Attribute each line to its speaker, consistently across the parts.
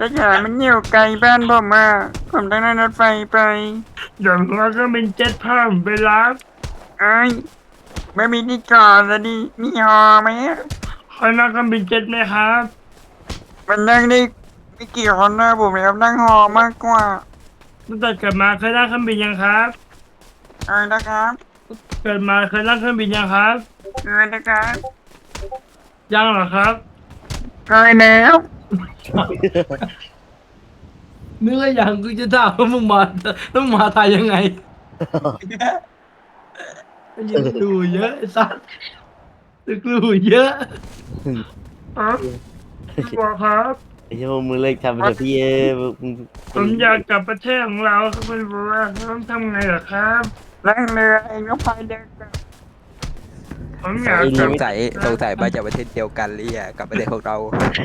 Speaker 1: สยามมันอยู่ไกลบ้านผมอ่ะผมต้องนั่งรถไฟไปเดี๋ยวเราก็เป็นเจ็ตพาผมไปรับเอ้ยไม่มีที่จอดแล้วดิมีฮอไหมอะคอยนั่งเครื่องบินเจ็ตไหมครับมันนั่งได้ไม่กี่คนนะผมอยากนั่งฮอมากกว่าตั้งแต่เกิดมาเคยนั่งเครื่องบินยังครับอะไรนะครับเกิดมาเคยนั่งเครื่องบินยังครับเคยนะครับยังเหรอครับเคยแล้ว
Speaker 2: นึกว่าอย่างกูจะถามว่ามึงมาต้องมาไทยยังไงยังดูเยอะไอ้สัสตึกดูเยอะ
Speaker 1: ครับบอกครับ
Speaker 3: ไอ้เจ้ามึงเลิกทำไปเถอะพี่มึง
Speaker 1: ผมอยากกลับประเทศของเราครับคุณบัวต้องทำไงเหรอครับนั่งเรือเองก็พายเดินกลับผมอยากกลับ
Speaker 4: สงสัยมาจากประเทศเดียวกันเลยอ่ะกับประเทศของเรา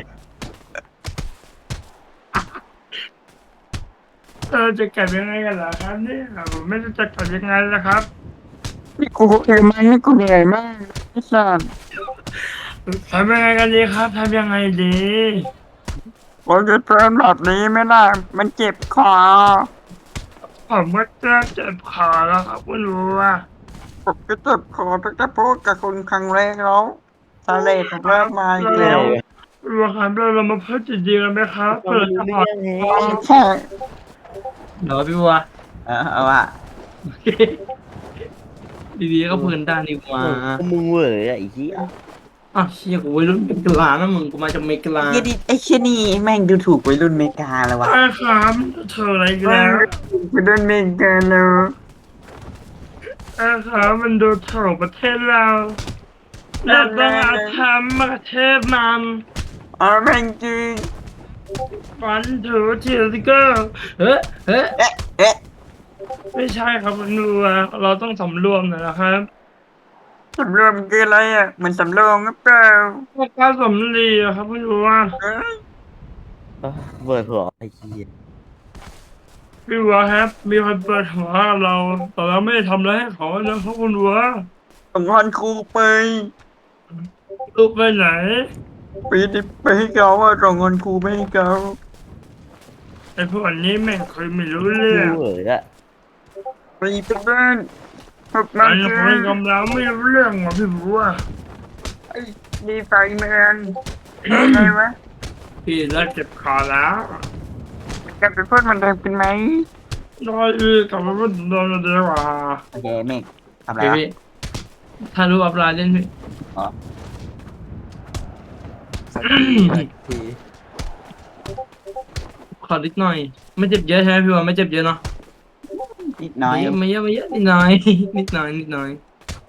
Speaker 1: จะกลับยังไงกันเหรอครับเนี่ยผมไม่รู้จะกลับยังไงล่ะครับนี่กูเองมันนี่กูเหนื่อยมากไอ้สัสทำยังไงกันดีครับทำยังไงดีผมจะเพิ่มแบบนี้ไม่ได้มันเจ็บคอผมก็เจ็บคอแล้วครับคุณบัว ผมก็เจ็บคอตั้งแต่พูดกับคุณครั้งแรกแล้วสาเหตุผมเริ่มมาอีกแล้วรัวครับเรามาพูดจริงๆกันไหมครับ
Speaker 3: ฟังไม่รู้เรื่องไง
Speaker 1: ใช่
Speaker 2: เดี๋ยวพี่บัว
Speaker 4: เอาว่า
Speaker 2: โอเคดีๆก็เพื่อนได้นี่หว่า
Speaker 3: มึงเว้ยไอ้เหี้ย
Speaker 2: อ่ะเชี่ยกูวัยรุ่นเมกลานะมึงกูมาจากเมกลา
Speaker 4: ไอ้เชี่ยนี่แม่งดูถูกวัยรุ่นเมกาแล้ววะ
Speaker 1: ใช่ครับเธออะไรกันแล้วคุณโดนเมกาแล้วครับมันดูถูกประเทศเราเราต้องเอาทำประเทศมันแม่งจริงวันถูทีสเกอร์
Speaker 2: เฮ้เฮ้
Speaker 4: เอ๊ะ
Speaker 1: ไม่ใช่ครับคุณรัวเราต้องสำรวมหน่อยนะครับสำรวมคืออะไรอ่ะมันสำรองหรือเปล่าการสำลีอะครับคุณรัว
Speaker 3: เปิดหัวไอ้เหี้ย
Speaker 1: พี่วัวครับมีคนเปิดหัวเราแต่เราไม่ได้ทำอะไรให้เขานะครับคุณวัวส่งวันครูไปลูกไปไหนไปให้เขาว่าส่งเงินครูไปให้เขาไอ้พวกนี้แม่งเคยไม่รู้เรื่อง
Speaker 3: มึงเว้ยอะ
Speaker 1: ไปบ้านพวกมันเคยกำลังไม่รู้เรื่องว่ะพี่วัวไอ้ดีไฟแมนไงวะพี่เลิกเจ็บคอแล้วกลับไปพูดมันเดิมเป็นไหมได้กลับไปพูดเดิมเดียวว่า
Speaker 4: โอเคเมกทำอะไร
Speaker 2: พี่
Speaker 4: วะ
Speaker 2: พี่ถ้ารู้อัปไลน์เล่นพี่
Speaker 4: อ๋อสักที
Speaker 2: ขอนิดหน่อย ไม่เจ็บเยอะใช่ไหมพี่บัวไม่เจ็บเยอะเนาะ
Speaker 4: นิดน้อย
Speaker 2: ไม่เยอะนิดหน่อยนิดหน่อยนิดหน่อย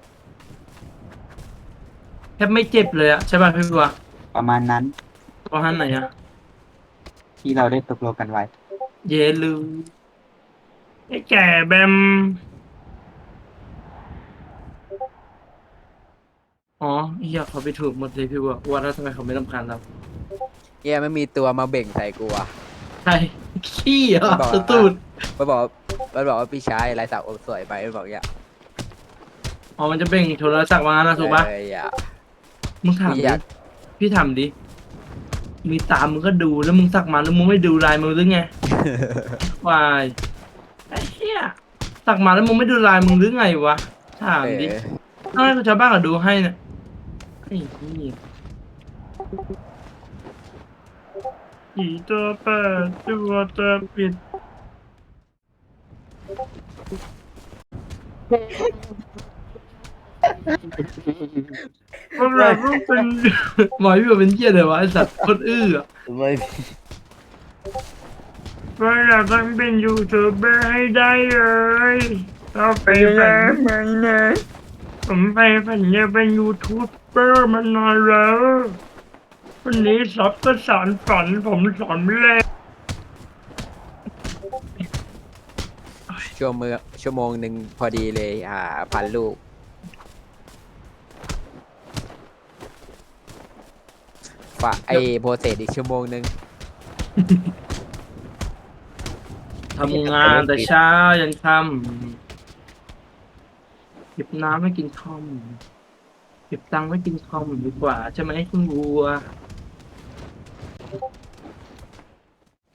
Speaker 2: แทบไม่เจ็บเลยอะใช่ป่ะพี่บัว
Speaker 4: ประมาณนั้น
Speaker 2: ประมาณไหนอะ
Speaker 4: ที่เราได้ตกลงกันไว้
Speaker 2: เยลืม
Speaker 1: ไอ้แก่แบม
Speaker 2: อ๋อเฮียเขาไปถูกหมดเลยพี่บัวว่าแล้วทำไมเขาไม่รำคาญเรา
Speaker 4: เฮียไม่มีตัวมาเบ่งใส่กูอ่ะ
Speaker 2: ใช่ขี้เหรอ
Speaker 4: มันบอก
Speaker 2: ตูด
Speaker 4: มันบอกว่าพี่ชายลายสักอกสวยไปมันบอกอย่าง
Speaker 2: อ๋อมันจะเบ่งโทรศัพท์มานะถูกปะ
Speaker 4: อย่า
Speaker 2: มึงถาม
Speaker 4: พี่
Speaker 2: ดิ
Speaker 4: อยาก
Speaker 2: พี่ถามดิมีตามมึงก็ดูแล้วมึงสักมาแล้วมึงไม่ดูลายมึงหรือไง วายไอ้เหี้ยสักมาแล้วมึงไม่ดูลายมึงหรือไงวะถามดิต้องให้ชาวบ้านก็ดูให้เนี่ยไอ้เหี้ย
Speaker 1: ผีตัวเปิดตัวปิดพวกเราต้องเป็น
Speaker 2: หมอพี่บอกเป็นเหี้ยเลยวะไอ้สัตว์โคนอื้ออะ
Speaker 3: ไม่
Speaker 1: พวกเราต้องเป็นยูทูบเบอร์ให้ได้เลยเราไปฝันไหมนะผมไปฝันจะเป็นยูทูบเบอร์มานานแล้ววันนี้ซับก็สารฝันผมสอนไม่เลย
Speaker 4: ชั่วโมงหนึ่งพอดีเลยพันลูกไอโปรเซสอีกชั่วโมงหนึ่ง
Speaker 2: ทำงานแต่เช้ายันค่ำเก็บน้ำไม่กินคอมเก็บตังค์ไม่กินคอมดีกว่าใช่ไหมคุณวัว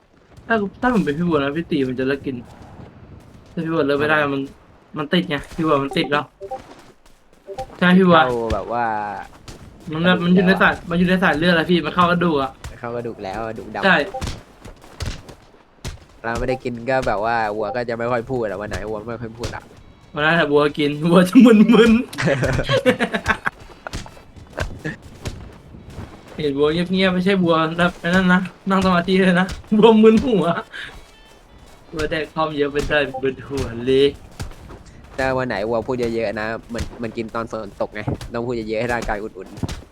Speaker 2: ถ้าผมเป็นพี่บัวนะพี่ตีมันจะเลิกกินถ้าพี่บัวเลิกไม่ได้มันติดไงพี่บัวมันติดแล้วใช่พี่บัว
Speaker 4: เข้าแบบว่า
Speaker 2: มันอยู่ในสายมันอยู่ในสายเลือดแล้วพี่มันเข้ากระดูกอ่ะ
Speaker 4: เข้ากระดูกแล้วกระดูกดำ
Speaker 2: ใช่
Speaker 4: เราไม่ได้กินก็แบบว่าวัวก็จะไม่ค่อยพูดอะวันไหนวัวไม่ค่อยพูดอะ
Speaker 2: วันนั้นถ้าบัวกินบัวจะมึนๆ เห็นบัวเงียบๆไม่ใช่บัวแบบนั่นนะนั่งสมาธิเลยนะบัวมึนหัวบัวแดกคอมเยอะไปได้มึนหัวเลย
Speaker 4: แต่วันไหนวัวพูดเยอะๆนะมันกินตอนฝนตกไงต้องพูดเยอะๆให้ร่างกายอุ่น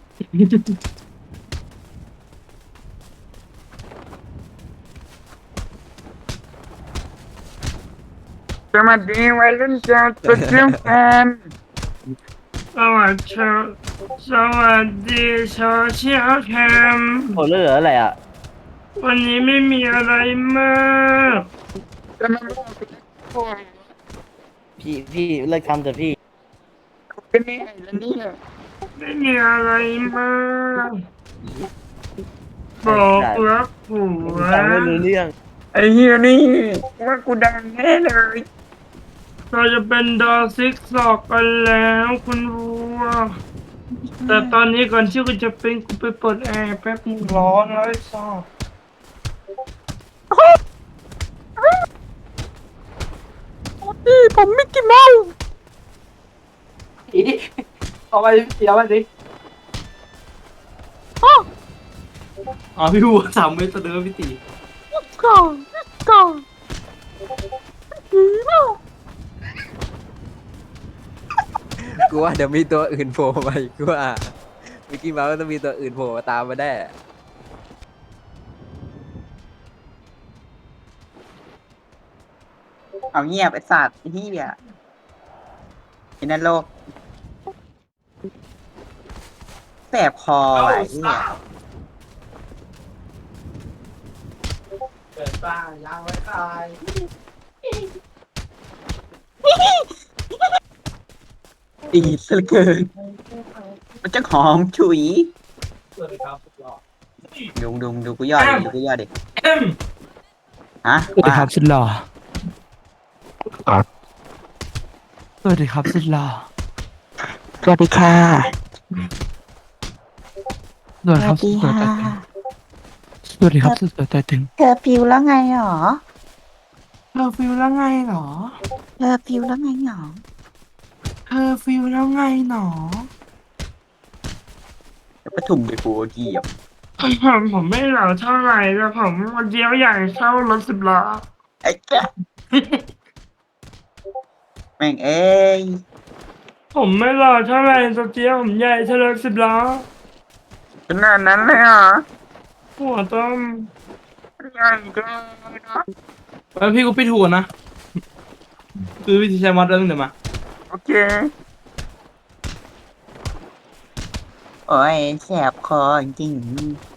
Speaker 1: สวัสดีวัยรุ่นจากโซเชียลแฟนสวัสดีสวัสดีโซเชียลแคม
Speaker 3: โอ้เหลืออะไรอ่ะ
Speaker 1: วันนี้ไม่มีอะไรมากจะมาบอกพวก
Speaker 3: พี่เลิกทำเถอะพี่
Speaker 1: เป็นนี่ไงแล้วเนี่ยไม่มีอะไรมากบอกรักผัว
Speaker 3: ฟังไม่รู้เรื่อง
Speaker 1: ไอ้เฮียนี่ว่ากูดังแน่เลยเราจะเป็นดอซิกซอกกันแล้วคุณวัวแต่ตอนนี้ก่อนที่กูจะเป็นกูไปเปิดแอร์แป๊บนึงร้อนแล้วไอ้ซอกพี่ผมไม่กินเมา
Speaker 2: เอาไปดิเอาไปดิอ๋อพี่บัว3 เมตรเดิมพี่ตี
Speaker 1: ก่อน
Speaker 4: ๆกูว่าเดี๋ยวมีตัวอื่นโผล่มาอีกกูว่ามิกกี้เมาส์ก็ต้องมีตัวอื่นโผล่มาตามมาได้
Speaker 5: เอาเงียบไอ้สัตว์ไอ้เหี้ยไอ้นั่นโลกแสบคอว่ะไอ้เหี้ย
Speaker 2: เกิดบ้ายางไว้ตาย
Speaker 5: ดีซะเหลือเกินมันจะหอมฉุย
Speaker 2: สวัสดีครับสุดหล่อ
Speaker 5: ดูกูยอดดิดูกูยอดดิ
Speaker 2: เอ็ม
Speaker 5: ฮะ
Speaker 2: สวัสดีครับ
Speaker 5: ว่า
Speaker 2: สุดหล่อสวัสดีครับสุดหล่อ
Speaker 5: สวัสดีค่ะ
Speaker 2: สวัสดีครับสุดสวยแต่ถึงสวัสดีครับสุดสวยแต่ถึง
Speaker 5: เธอฟิวแล้วไงหรอ
Speaker 2: เธอฟิลแล้วไงหรอ
Speaker 5: เธอฟิวแล้วไงหรอ
Speaker 2: เธอฟิลแล้วไงหนอ
Speaker 5: เดี๋ยวปทุมไปกูเหยียบ
Speaker 1: ผมไม่เหล่าเท่าไหร่แต่ผมวันเดียวใหญ่เท่ารถ10 ล้อ
Speaker 5: ไอ้แกแม่งเอ้ย
Speaker 1: ผมไม่หล่อเท่าไหร่สเจียวผมใหญ่เท่ารถ10 ล้อขนาดนั้นเลยเหรอหัวต้มใหญ่เกินนะ
Speaker 2: แล้วพี่ก็ปิดหัวนะคือวิธีใช้มอดเรื่องเดี๋ยวมา
Speaker 1: โอเค
Speaker 5: โอ้ยแสบคอจริงๆ